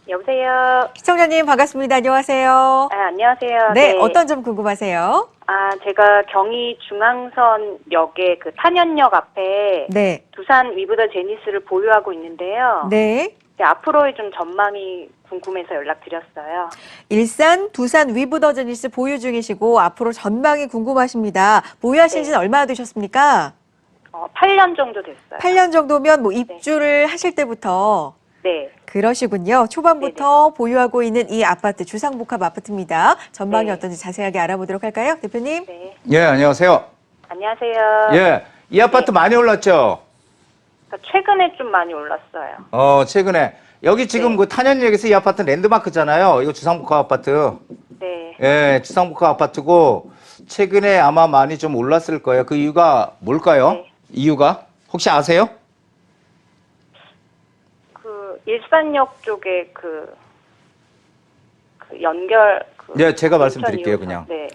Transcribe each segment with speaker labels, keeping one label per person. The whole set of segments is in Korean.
Speaker 1: 여보세요.
Speaker 2: 시청자님 반갑습니다. 안녕하세요.
Speaker 1: 안녕하세요.
Speaker 2: 네, 어떤 점 궁금하세요?
Speaker 1: 제가 경의 중앙선역의 그 탄현역 앞에
Speaker 2: 네.
Speaker 1: 두산 위브더 제니스를 보유하고 있는데요.
Speaker 2: 네.
Speaker 1: 앞으로의 좀 전망이 궁금해서 연락드렸어요.
Speaker 2: 일산, 두산 위브더 제니스 보유 중이시고 앞으로 전망이 궁금하십니다. 보유하신 지는 얼마나 되셨습니까?
Speaker 1: 8년 정도 됐어요.
Speaker 2: 8년 정도면 뭐 입주를 하실 때부터
Speaker 1: 네.
Speaker 2: 그러시군요. 초반부터 보유하고 있는 이 아파트, 주상복합 아파트입니다. 전망이
Speaker 1: 네.
Speaker 2: 어떤지 자세하게 알아보도록 할까요? 대표님?
Speaker 1: 네.
Speaker 3: 예, 안녕하세요.
Speaker 1: 안녕하세요.
Speaker 3: 예, 이 아파트 많이 올랐죠?
Speaker 1: 그러니까 최근에 좀 많이 올랐어요.
Speaker 3: 최근에. 여기 지금 그 탄현역에서 이 아파트 랜드마크잖아요. 이거 주상복합 아파트.
Speaker 1: 네.
Speaker 3: 예, 주상복합 아파트고, 최근에 아마 많이 좀 올랐을 거예요. 그 이유가 뭘까요?
Speaker 1: 네.
Speaker 3: 이유가? 혹시 아세요?
Speaker 1: 그 일산역 쪽에 그 연결
Speaker 3: 네, 제가
Speaker 1: 인천
Speaker 3: 말씀드릴게요,
Speaker 1: 2호선.
Speaker 3: 그냥.
Speaker 1: 네.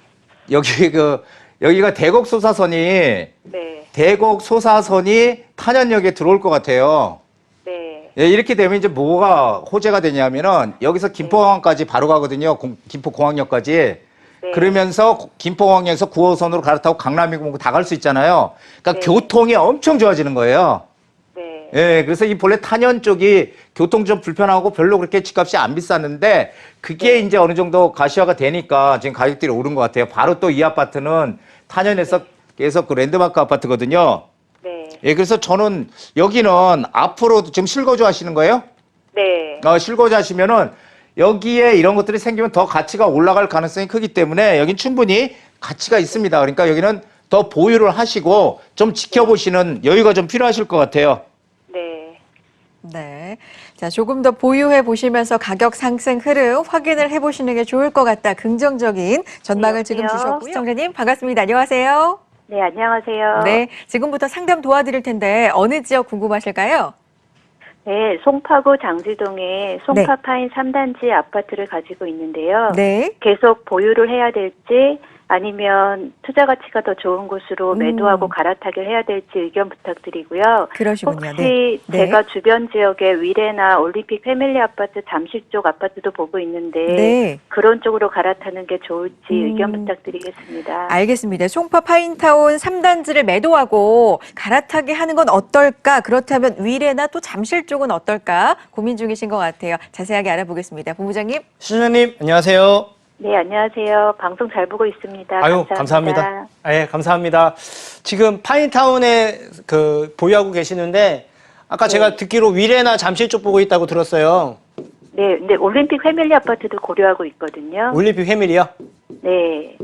Speaker 3: 여기가 대곡 소사선이,
Speaker 1: 네.
Speaker 3: 대곡 소사선이 탄현역에 들어올 것 같아요.
Speaker 1: 네.
Speaker 3: 예, 이렇게 되면 이제 뭐가 호재가 되냐면은 여기서 김포공항까지 바로 가거든요. 김포공항역까지.
Speaker 1: 네.
Speaker 3: 그러면서 김포공항역에서 9호선으로 갈아타고 강남이고 다 갈 수 있잖아요. 그러니까
Speaker 1: 네.
Speaker 3: 교통이 엄청 좋아지는 거예요.
Speaker 1: 네.
Speaker 3: 예, 그래서 이 본래 탄현 쪽이 교통 좀 불편하고 별로 그렇게 집값이 안 비쌌는데 그게 이제 어느 정도 가시화가 되니까 지금 가격들이 오른 것 같아요. 바로 또 이 아파트는 탄현에서 계속 그 랜드마크 아파트거든요.
Speaker 1: 네.
Speaker 3: 예, 그래서 저는 여기는 앞으로도 지금 실거주 하시는 거예요?
Speaker 1: 네.
Speaker 3: 실거주 하시면은 여기에 이런 것들이 생기면 더 가치가 올라갈 가능성이 크기 때문에 여긴 충분히 가치가 있습니다. 그러니까 여기는 더 보유를 하시고 좀 지켜보시는 여유가 좀 필요하실 것 같아요.
Speaker 1: 네.
Speaker 2: 네. 자, 조금 더 보유해 보시면서 가격 상승 흐름 확인을 해 보시는 게 좋을 것 같다. 긍정적인 전망을
Speaker 1: 네,
Speaker 2: 지금
Speaker 1: 여보세요?
Speaker 2: 주셨고요. 시청자님 반갑습니다. 안녕하세요.
Speaker 1: 네, 안녕하세요.
Speaker 2: 네. 지금부터 상담 도와드릴 텐데 어느 지역 궁금하실까요?
Speaker 1: 네, 송파구 장지동에 송파파인 3단지 아파트를 가지고 있는데요.
Speaker 2: 네.
Speaker 1: 계속 보유를 해야 될지 아니면 투자 가치가 더 좋은 곳으로 매도하고 갈아타기를 해야 될지 의견 부탁드리고요.
Speaker 2: 그러시군요.
Speaker 1: 혹시
Speaker 2: 네.
Speaker 1: 제가 주변 지역에 위례나 올림픽 패밀리 아파트 잠실 쪽 아파트도 보고 있는데
Speaker 2: 네.
Speaker 1: 그런 쪽으로 갈아타는 게 좋을지 의견 부탁드리겠습니다.
Speaker 2: 알겠습니다. 송파 파인타운 3단지를 매도하고 갈아타기 하는 건 어떨까? 그렇다면 위례나 또 잠실 쪽은 어떨까? 고민 중이신 것 같아요. 자세하게 알아보겠습니다. 본부장님.
Speaker 4: 시청자님 안녕하세요.
Speaker 1: 네, 안녕하세요. 방송 잘 보고 있습니다.
Speaker 4: 아유, 감사합니다. 예, 감사합니다. 지금 파인타운에 보유하고 계시는데 아까 제가 듣기로 위례나 잠실 쪽 보고 있다고 들었어요.
Speaker 1: 네, 근데 올림픽 패밀리 아파트도 고려하고 있거든요.
Speaker 4: 올림픽 패밀리요?
Speaker 1: 네.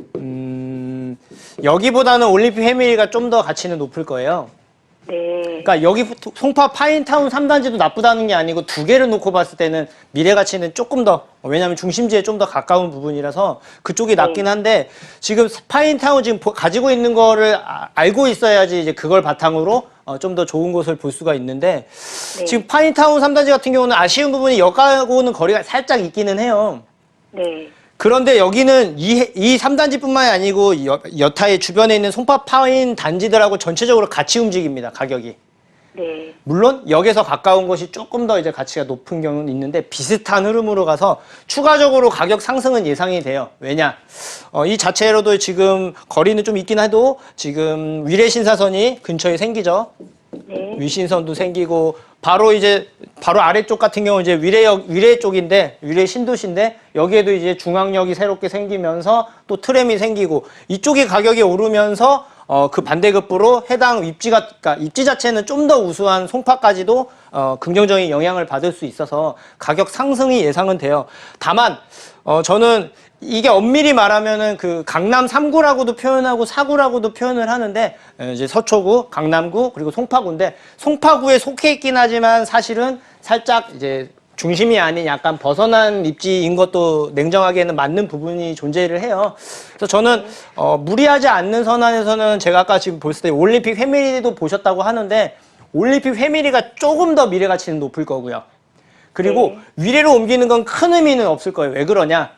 Speaker 4: 여기보다는 올림픽 패밀리가 좀 더 가치는 높을 거예요.
Speaker 1: 네.
Speaker 4: 그러니까 여기 송파 파인타운 3단지도 나쁘다는 게 아니고 두 개를 놓고 봤을 때는 미래 가치는 조금 더, 왜냐하면 중심지에 좀 더 가까운 부분이라서 그쪽이 낫긴 한데 지금 파인타운 지금 가지고 있는 거를 알고 있어야지 이제 그걸 바탕으로 좀 더 좋은 곳을 볼 수가 있는데 지금 파인타운 3단지 같은 경우는 아쉬운 부분이 역하고는 거리가 살짝 있기는 해요.
Speaker 1: 네.
Speaker 4: 그런데 여기는 이 3단지뿐만이 아니고 여타의 주변에 있는 송파 파인 단지들하고 전체적으로 같이 움직입니다, 가격이.
Speaker 1: 네.
Speaker 4: 물론 역에서 가까운 것이 조금 더 이제 가치가 높은 경우는 있는데 비슷한 흐름으로 가서 추가적으로 가격 상승은 예상이 돼요. 왜냐? 이 자체로도 지금 거리는 좀 있긴 해도 지금 위례 신사선이 근처에 생기죠.
Speaker 1: 네.
Speaker 4: 위신선도 생기고 바로 아래쪽 같은 경우 이제 위례 쪽인데 위례 신도시인데 여기에도 이제 중앙역이 새롭게 생기면서 또 트램이 생기고 이쪽이 가격이 오르면서 그 반대급부로 해당 그러니까 입지 자체는 좀 더 우수한 송파까지도 긍정적인 영향을 받을 수 있어서 가격 상승이 예상은 돼요. 다만 저는 이게 엄밀히 말하면은 그 강남 3구라고도 표현하고 4구라고도 표현을 하는데 이제 서초구, 강남구 그리고 송파구인데 송파구에 속해 있긴 하지만 사실은 살짝 이제 중심이 아닌 약간 벗어난 입지인 것도 냉정하게는 맞는 부분이 존재를 해요. 그래서 저는 무리하지 않는 선안에서는 제가 아까 지금 보셨을 때 올림픽 패밀리도 보셨다고 하는데 올림픽 패밀리가 조금 더 미래 가치는 높을 거고요. 그리고 위례로 옮기는 건 큰 의미는 없을 거예요. 왜 그러냐?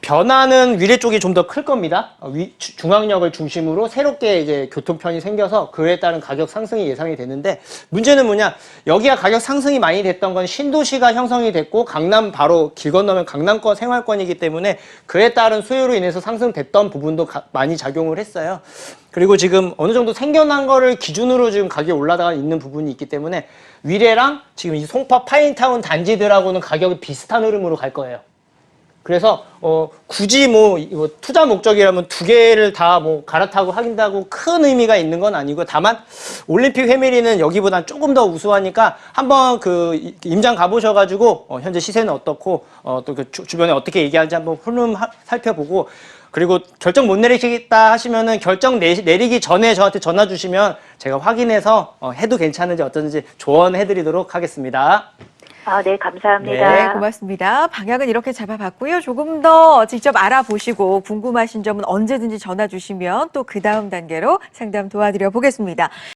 Speaker 4: 변화는 위례 쪽이 좀 더 클 겁니다. 중앙역을 중심으로 새롭게 이제 교통편이 생겨서 그에 따른 가격 상승이 예상이 되는데 문제는 뭐냐? 여기가 가격 상승이 많이 됐던 건 신도시가 형성이 됐고 강남 바로 길 건너면 강남권 생활권이기 때문에 그에 따른 수요로 인해서 상승됐던 부분도 많이 작용을 했어요. 그리고 지금 어느 정도 생겨난 거를 기준으로 지금 가격이 올라가 있는 부분이 있기 때문에 위례랑 지금 이 송파 파인타운 단지들하고는 가격이 비슷한 흐름으로 갈 거예요. 그래서 굳이 뭐 투자 목적이라면 두 개를 다 뭐 갈아타고 하긴다고 큰 의미가 있는 건 아니고 다만 올림픽 회밀리는 여기보단 조금 더 우수하니까 한번 그 임장 가보셔가지고 현재 시세는 어떻고 또 그 주변에 어떻게 얘기하는지 한번 흐름 살펴보고 그리고 결정 못 내리시겠다 하시면은 결정 내리기 전에 저한테 전화 주시면 제가 확인해서 해도 괜찮은지 어떤지 조언해드리도록 하겠습니다.
Speaker 1: 네, 감사합니다.
Speaker 2: 네, 고맙습니다. 방향은 이렇게 잡아봤고요. 조금 더 직접 알아보시고 궁금하신 점은 언제든지 전화 주시면 또 그 다음 단계로 상담 도와드려 보겠습니다.